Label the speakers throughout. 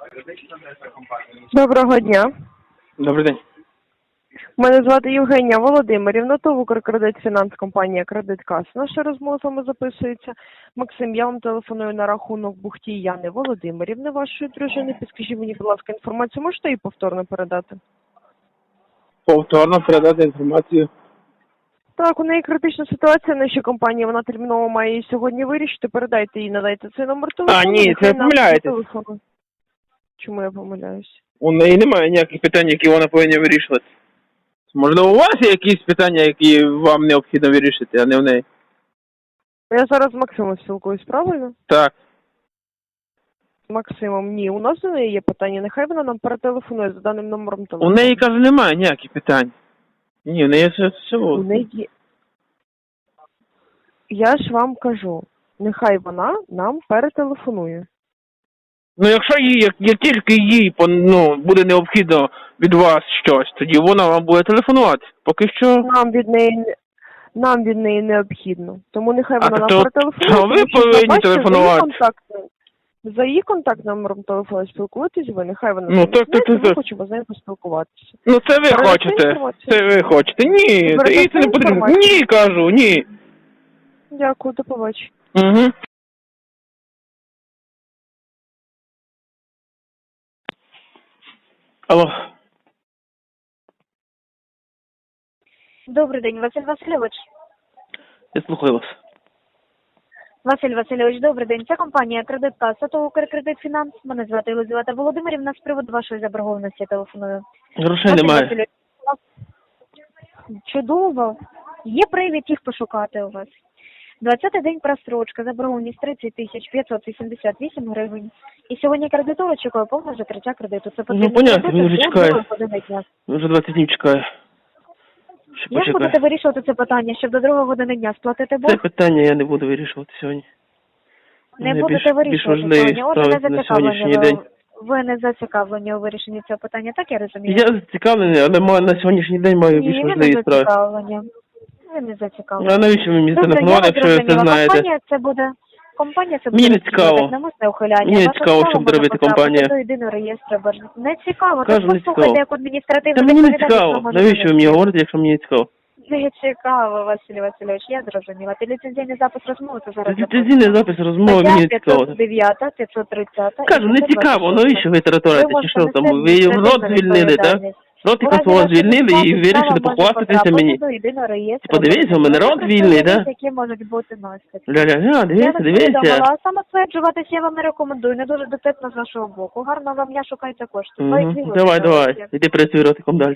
Speaker 1: Доброго дня.
Speaker 2: Добрий день.
Speaker 1: Мене звати Євгенія Володимирівна, ТОВ «Укркредитфінанс», компанія «Кредиткас». Наша розмова з вами записується. Максим, я вам телефоную на рахунок Бухтій Яни Володимирівни, вашої дружини. Підскажіть мені, будь ласка, інформацію можете її повторно передати?
Speaker 2: Повторно передати інформацію.
Speaker 1: Так, у неї критична ситуація в нашій компанії, вона терміново має її сьогодні вирішити. Передайте їй, надайте цей номер телефону.
Speaker 2: Ні, це ви помиляєтесь.
Speaker 1: Чому я помиляюсь?
Speaker 2: У неї немає ніяких питань, які вона повинна вирішувати. Можливо, у вас є якісь питання, які вам необхідно вирішити, а не в неї?
Speaker 1: Я зараз з Максимом спілкуюсь, правильно?
Speaker 2: Так.
Speaker 1: З Максимом, ні. У нас до неї є питання, нехай вона нам перетелефонує за даним номером телефону.
Speaker 2: У неї, кажу, немає ніяких питань. Ні, у неї все.
Speaker 1: У неї... Я ж вам кажу, нехай вона нам перетелефонує.
Speaker 2: Ну, якщо їй, як тільки їй буде необхідно від вас щось, тоді вона вам буде телефонувати. Поки що...
Speaker 1: Нам від неї необхідно. Тому нехай вона нам
Speaker 2: то
Speaker 1: перетелефонує.
Speaker 2: ви повинні телефонувати.
Speaker 1: За її контакт номером телефону спілкуєтесь ви, нехай вона
Speaker 2: ми
Speaker 1: хочемо з нею поспілкуватися.
Speaker 2: Ну, це ви хочете. Це ви хочете. Ні, це не потрібно. Ні, кажу, ні.
Speaker 1: Дякую, до побачення.
Speaker 2: Угу. Алло.
Speaker 3: Добрий день, Василь Васильович.
Speaker 2: Я слухаю вас.
Speaker 3: Василь Васильович, добрий день. Це компанія «Кредиткас», ТОВ «Укркредитфінанс». Мене звати Єлизавета Володимирівна. З приводу вашої заборгованості телефоную.
Speaker 2: Грошей
Speaker 3: Василь
Speaker 2: немає.
Speaker 3: Васильович, чудово. Є привід їх пошукати у вас. 20-й день просрочка, заборгованість 30 588 гривень. І сьогодні кредитор очікує повне закриття кредиту. Це потрібно
Speaker 2: понятно, він вже
Speaker 3: до
Speaker 2: чекає.
Speaker 3: 2 години дня.
Speaker 2: Вже 20 днів чекаю.
Speaker 3: Як будете вирішувати це питання, щоб до 2 години дня сплатити борг?
Speaker 2: Це питання я не буду вирішувати сьогодні.
Speaker 3: Не будете вирішувати питання. Отже, не зацікавлені. Ви не зацікавлені у вирішенні цього питання, так я розумію?
Speaker 2: Я зацікавлений, але на сьогоднішній день маю більш важливі справи.
Speaker 3: Ви не зацікавлені.
Speaker 2: А навіщо ви мені телефонували, якщо ви це знаєте?
Speaker 3: Компанія це
Speaker 2: Мені не цікаво.
Speaker 3: навмисне ухиляння.
Speaker 2: Мені не цікаво, що буде робити компанія.
Speaker 3: До єдиного реєстру боржників. Не цікаво.
Speaker 2: Кажу, не цікаво.
Speaker 3: Як адміністративно.
Speaker 2: Та мені не цікаво. Навіщо ви мені говорите, якщо мені не цікаво?
Speaker 3: Не цікаво, Василь Васильович, я зрозуміла. Ти ліцензійний запис розмови, то зараз...
Speaker 2: Ліцензійний запис розмови мені не цікаво.
Speaker 3: 509, 530.
Speaker 2: Кажу, не цікаво, навіщо ви територієте, чи що там? Ви рот звільнили, так? Ротика свого звільнили і вирішили похвастатися мені. Подивіться, у мене рот вільний, так?
Speaker 3: Які можуть бути наслідки.
Speaker 2: Ля-ля-ля, дивіться.
Speaker 3: А самостверджуватися я вам не рекомендую, не дуже дотепно з вашого боку. Гарно вам, я шукайте кошти.
Speaker 2: Давай, іди працюй ротиком далі.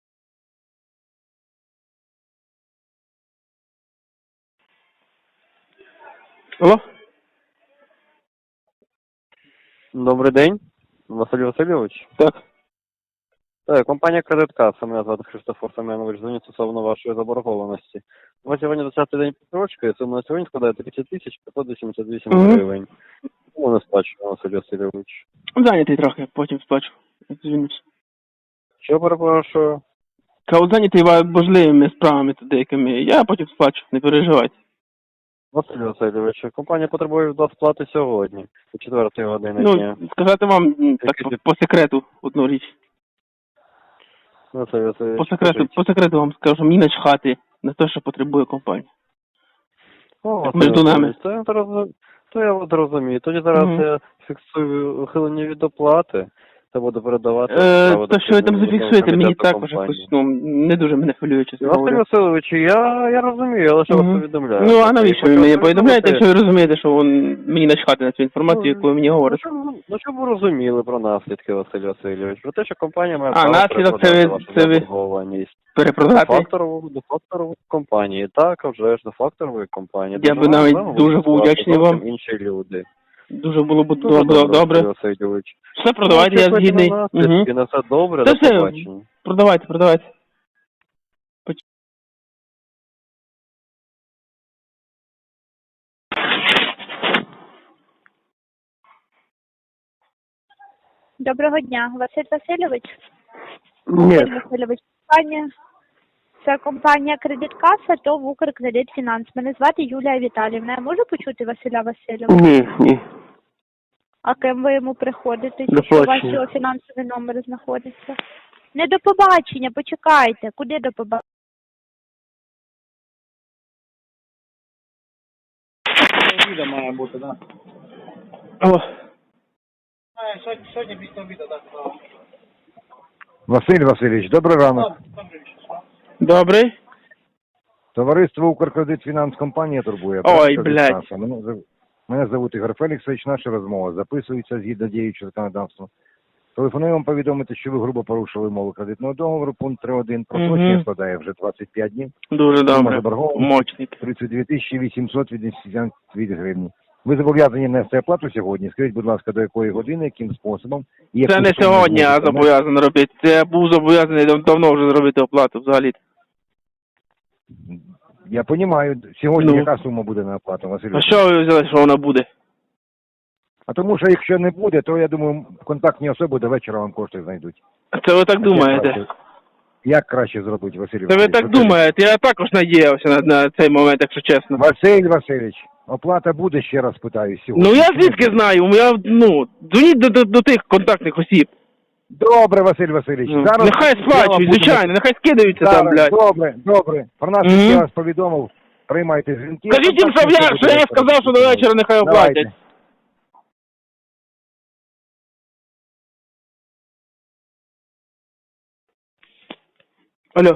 Speaker 2: Алло?
Speaker 4: Добрий день, Василь Васильович.
Speaker 2: Так.
Speaker 4: Так, компанія «Кредиткас», мене звати Христофор Семенович, дзвонить стосовно вашої заборгованості. У вас сьогодні 20-й день просрочки, і сума на сьогодні складає 30 588 гривень. Чому не сплачує, Василь Васильович?
Speaker 2: Зайнятий трохи, потім сплачу. Звільнюсь.
Speaker 4: Що перепрошую?
Speaker 2: Кажу, зайнятий важливими справами тут деякими. Я потім сплачу, не переживайте.
Speaker 4: Василь Васильович, компанія потребує від вас сплати сьогодні, о 4 години дня.
Speaker 2: Сказати вам так по секрету одну річ.
Speaker 4: Василь Васильович,
Speaker 2: По секрету вам скажу, мені начхати на те, що потребує компанія.
Speaker 4: Між
Speaker 2: нами.
Speaker 4: То я вас розумію. Тоді зараз я фіксую ухилення від оплати та буду передавати.
Speaker 2: То, що ви там зафіксуєте, мені також якось, не дуже мене хвилює, чесно говоря.
Speaker 4: Василь Васильович, я розумію, але що вас повідомляю.
Speaker 2: Ну, а навіщо ви мені повідомляєте, якщо ви розумієте, що мені начхати на цю інформацію, яку ви мені говорите?
Speaker 4: Ну, щоб ви розуміли про наслідки, Василь Васильович. Про те, що компанія має
Speaker 2: наслідок це ви перепродати?
Speaker 4: До факторової компанії. Так, а вже ж до факторової компанії.
Speaker 2: Я би навіть дуже був вдячний вам.
Speaker 4: Інші люди.
Speaker 2: Дуже було б добре.
Speaker 4: Васильович.
Speaker 2: Все, продавайте, я згідний.
Speaker 4: І на все добре, до побачення.
Speaker 2: Продавайте.
Speaker 3: Доброго дня, Василь Васильович.
Speaker 2: Ні.
Speaker 3: Василь Васильович, це компанія «Кредиткас», ТОВ «Укркредитфінанс». Мене звати Юлія Віталіївна. Я можу почути Василя Васильовича?
Speaker 2: Ні.
Speaker 3: А ким ви йому приходите?
Speaker 2: До
Speaker 3: Що
Speaker 2: побачення.
Speaker 3: ваші фінансові номери знаходяться? Не до побачення, почекайте. Куди до побачення?
Speaker 5: Обіда має бути, так?
Speaker 2: О,
Speaker 5: Сьогодні після обіду, так.
Speaker 6: Василь Васильович, добрий ранок.
Speaker 2: добрий.
Speaker 6: Товариство «Укркредит Фінанс» компанія турбує.
Speaker 2: Ой,
Speaker 6: Прошу
Speaker 2: блядь.
Speaker 6: Каса. Мене звуть Ігор Феліксович, наша розмова записується згідно діючого законодавства. Телефоную вам повідомити, що ви грубо порушили умови кредитного договору, пункт 3.1. Просрочення складає вже 25 днів.
Speaker 2: Дуже
Speaker 6: Сума
Speaker 2: добре.
Speaker 6: заборгованості
Speaker 2: Мочник.
Speaker 6: 32 882 гривні. Ви зобов'язані нести оплату сьогодні. Скажіть, будь ласка, до якої години, яким способом? І яку
Speaker 2: Це не
Speaker 6: суму
Speaker 2: сьогодні я
Speaker 6: зможете
Speaker 2: зобов'язаний робити. Це я був зобов'язаний давно вже зробити оплату взагалі.
Speaker 6: Я розумію. Сьогодні
Speaker 2: Ну.
Speaker 6: яка сума буде на оплату, Василь
Speaker 2: А
Speaker 6: Васильович?
Speaker 2: що ви взяли, що вона буде?
Speaker 6: А тому що якщо не буде, то я думаю, контактні особи до вечора вам кошти знайдуть.
Speaker 2: Це ви так думаєте?
Speaker 6: Як краще зробити, Василь
Speaker 2: Це ви
Speaker 6: Васильович?
Speaker 2: так думаєте? Я також надіявся на цей момент, якщо чесно.
Speaker 6: Василь Васильович, оплата буде, ще раз питаю, сьогодні.
Speaker 2: Ну я звідки знаю? Дзвоніть до тих контактних осіб.
Speaker 6: Добре, Василь Васильович.
Speaker 2: Ну,
Speaker 6: Зараз
Speaker 2: нехай
Speaker 6: я вам
Speaker 2: сплачують,
Speaker 6: буду-
Speaker 2: звичайно, нехай скидаються там,
Speaker 6: Зараз,
Speaker 2: блядь.
Speaker 6: добре. Про нас
Speaker 2: Мгм.
Speaker 6: я вас повідомив. Приймайте дзвінки.
Speaker 2: Скажіть їм,
Speaker 6: Контактні особи
Speaker 2: що я
Speaker 6: до
Speaker 2: сказав, що до вечора нехай
Speaker 6: Давайте.
Speaker 2: оплатять. Алло.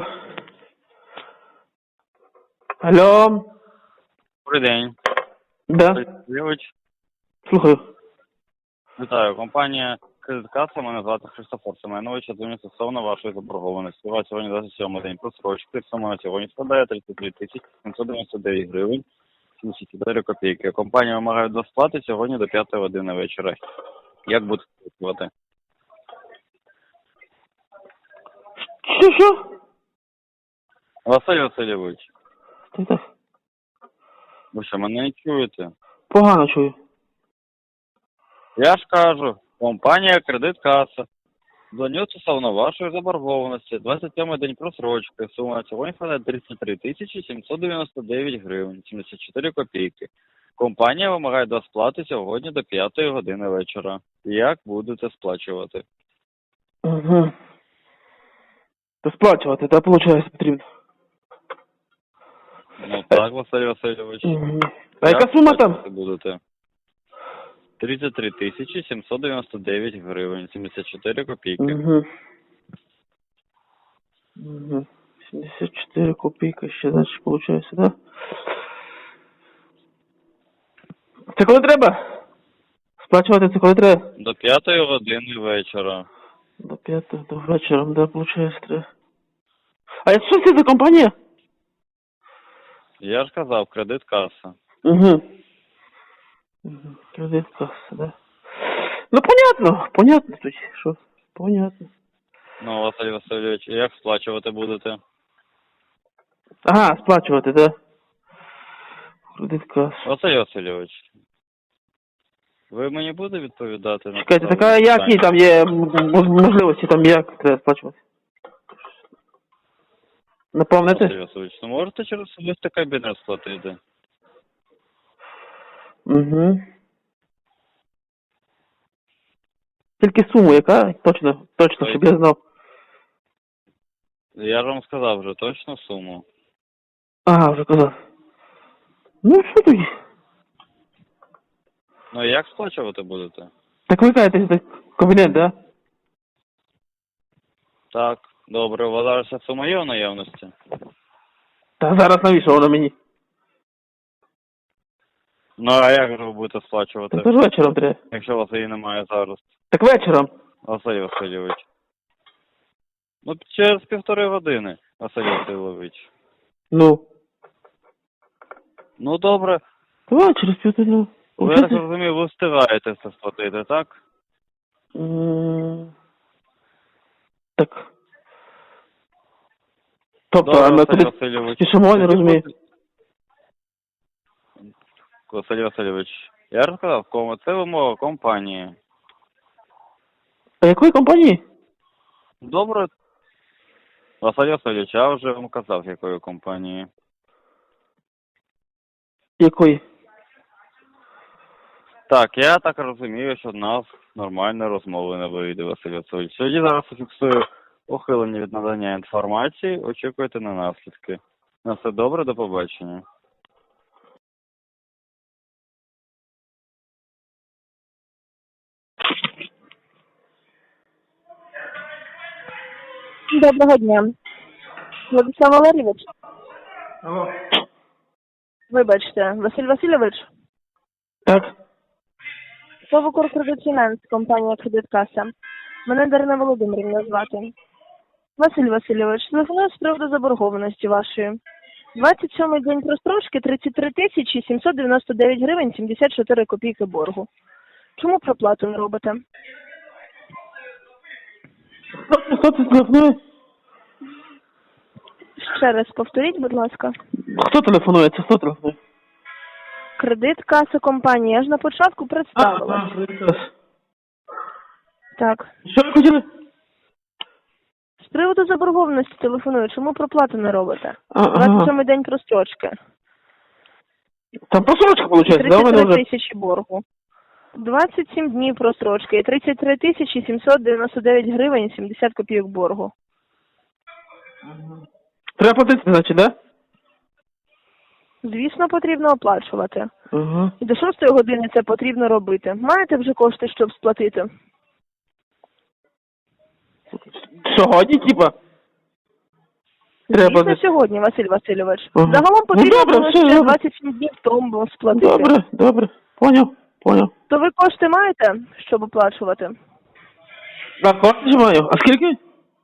Speaker 2: Алло.
Speaker 4: Добрий день.
Speaker 2: Да.
Speaker 4: Васильович.
Speaker 2: Слухаю.
Speaker 4: Вітаю. Компанія «Кредиткаса», мене звати Христофор Семенович, я дзвоню стосовно вашої заборгованості. У вас сьогодні 27-й день просрочки, сума на сьогодні складає 33 799 гривень 74 копійки. Компанія вимагає до сплати сьогодні до 5 години вечора. Як будете працювати?
Speaker 2: Що?
Speaker 4: Василь Васильович,
Speaker 2: Так.
Speaker 4: ви що, мене не чуєте?
Speaker 2: Погано чую.
Speaker 4: Я ж кажу, компанія «Кредиткаса». Дзвоню стосовно вашої заборгованості. 27-й день просрочки. Сума на сьогодні складає 33 799 гривень 74 копійки. Компанія вимагає до сплати сьогодні до 5 години вечора. Як будете сплачувати?
Speaker 2: Угу. То сплачувати, так, виходить, потрібно.
Speaker 4: Ну так, Василь Васильович.
Speaker 2: Угу. А яка сума там?
Speaker 4: сплачувати будете? 33 799 гривень 74 копійки.
Speaker 2: Угу. Угу. 74 копійки ще, значить, виходить, да? Це коли треба? Сплачувати це коли треба?
Speaker 4: До 5 години вечора.
Speaker 2: До 5 до вечора, да, виходить, треба. А що це за компанія?
Speaker 4: Я ж казав, «Кредиткаса».
Speaker 2: Угу. Кредит касса, да. Ну, понятно тоді, що, понятно.
Speaker 4: Ну, Василь Васильович, як сплачувати будете?
Speaker 2: Ага, сплачувати, да. Кредит касса.
Speaker 4: Василь Васильович, ви мені будете відповідати на
Speaker 2: Чекайте, така
Speaker 4: поставлені
Speaker 2: які
Speaker 4: питання?
Speaker 2: там є можливості, там як треба сплачувати? Наповнити?
Speaker 4: Василь Васильович, ну можете через особистий кабінет сплатити?
Speaker 2: Угу. Тільки суму яка? Точно, щоб я знав.
Speaker 4: Я ж вам сказав вже точну суму.
Speaker 2: Ага, вже казав. Ну, що тоді?
Speaker 4: Ну як сплачувати будете?
Speaker 2: Так ви кажете, це кабінет, да?
Speaker 4: Так, добре, у вас зараз ця сума є в наявності?
Speaker 2: Та зараз навіщо воно мені?
Speaker 4: Ну а як же ви будете сплачувати,
Speaker 2: Так то ж вечором треба.
Speaker 4: якщо у вас її немає зараз?
Speaker 2: Так вечором.
Speaker 4: Василь Васильович. Ну, через 1,5 години, Василь Васильович.
Speaker 2: Ну.
Speaker 4: Ну, добре.
Speaker 2: Давай через півтора.
Speaker 4: Ви, я так розумію, ви встигаєте це сплатити, так?
Speaker 2: Так. Тобто,
Speaker 4: Добре,
Speaker 2: а ми
Speaker 4: Василь
Speaker 2: куди
Speaker 4: Васильович.
Speaker 2: спішимо, я не розумію.
Speaker 4: Василь Васильович, я ж сказав, це вимога компанії.
Speaker 2: А якої компанії?
Speaker 4: Добре. Василь Васильович, я вже вам казав, якої компанії.
Speaker 2: Якої?
Speaker 4: Так, я так розумію, що в нас нормальна розмова не вийде, Василь Васильович. Тоді зараз зафіксую ухилення від надання інформації, очікуйте на наслідки. На все добре, до побачення.
Speaker 1: Доброго дня. Владислав Валерійович?
Speaker 2: Алло.
Speaker 1: Вибачте, Василь Васильович?
Speaker 2: Так.
Speaker 1: Совокор Кредит Фінанс, компанія Кредиткаса. Мене Дарина Володимирівна звати. Василь Васильович, телефоную з приводу заборгованості вашої. 27-й день прострочки 33 тисячі 799 гривень 74 копійки боргу. Чому проплату не робите?
Speaker 2: Хто це телефонує?
Speaker 1: Ще раз повторіть, будь ласка.
Speaker 2: Хто телефонує? Це хто телефонує?
Speaker 1: Кредит Каса компанія. Я ж на початку представилась. Так.
Speaker 2: Що ви хотіли?
Speaker 1: З приводу заборгованості телефоную. Чому проплату не робите?
Speaker 2: Ага.
Speaker 1: 27-й день прострочки.
Speaker 2: Там просрочка, виходить, да, у мене
Speaker 1: 33
Speaker 2: вже?
Speaker 1: тисячі боргу. 27 днів прострочки і 33 тисячі 799 гривень 70 копійок боргу.
Speaker 2: Треба платити, значить, да?
Speaker 1: Звісно, потрібно оплачувати.
Speaker 2: Ага.
Speaker 1: І до 6 години це потрібно робити. Маєте вже кошти, щоб сплатити?
Speaker 2: Сьогодні, типа? Треба
Speaker 1: Звісно,
Speaker 2: десь.
Speaker 1: сьогодні, Василь Васильович.
Speaker 2: Ага.
Speaker 1: Загалом потрібно
Speaker 2: Ну, добре,
Speaker 1: було
Speaker 2: все,
Speaker 1: ще
Speaker 2: добре.
Speaker 1: 27 днів тому сплатити.
Speaker 2: Добре. Поняв.
Speaker 1: То ви кошти маєте, щоб оплачувати?
Speaker 2: Так, кошти ж маю. А скільки?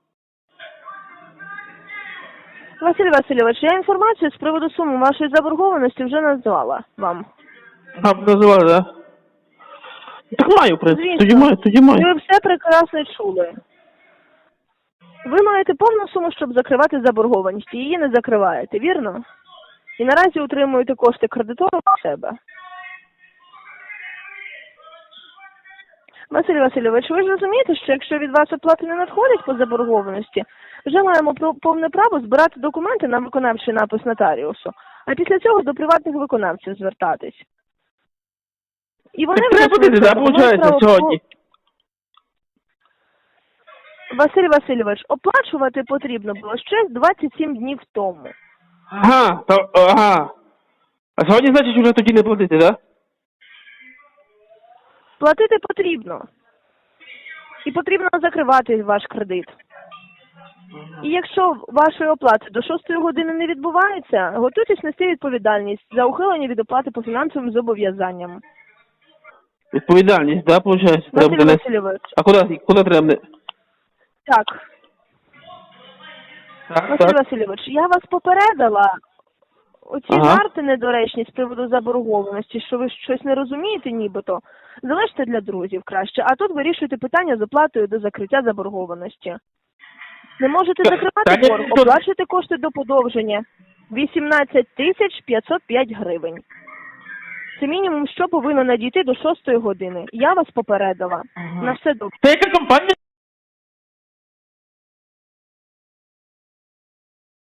Speaker 1: Василь Васильович, я інформацію з приводу суми вашої заборгованості вже назвала вам.
Speaker 2: А, називали, да? Так маю, в принципі.
Speaker 1: Звісно.
Speaker 2: Тоді маю.
Speaker 1: Ви все прекрасно чули. Ви маєте повну суму, щоб закривати заборгованість, і її не закриваєте, вірно? І наразі утримуєте кошти кредитора у себе. Василь Васильович, ви ж розумієте, що якщо від вас оплати не надходять по заборгованості, вже маємо повне право збирати документи на виконавчий напис нотаріусу, а після цього до приватних виконавців звертатись. І вони
Speaker 2: Так
Speaker 1: вже
Speaker 2: треба платити, да,
Speaker 1: мають
Speaker 2: виходить,
Speaker 1: право
Speaker 2: сьогодні?
Speaker 1: Василь Васильович, оплачувати потрібно було ще 27 днів тому.
Speaker 2: Ага. А сьогодні, значить, вже тоді не платити, да?
Speaker 1: Платити потрібно. І потрібно закривати ваш кредит. І якщо вашої оплати до 6 години не відбувається, готуйтесь нести відповідальність за ухилення від оплати по фінансовим зобов'язанням.
Speaker 2: Відповідальність, да, виходить?
Speaker 1: Василь Васильович,
Speaker 2: А куди треба?
Speaker 1: так.
Speaker 2: Так.
Speaker 1: Василь Васильович, я вас попередила. Оці
Speaker 2: Ага.
Speaker 1: жарти недоречні з приводу заборгованості, що ви щось не розумієте нібито, залиште для друзів краще, а тут вирішуйте питання з оплатою до закриття заборгованості. Не можете закривати
Speaker 2: Та ні,
Speaker 1: борг,
Speaker 2: то-
Speaker 1: оплачуйте кошти до подовження. 18 тисяч 505 гривень. Це мінімум, що повинно надійти до 6 години. Я вас попередила. На все добре.
Speaker 2: Це яка компанія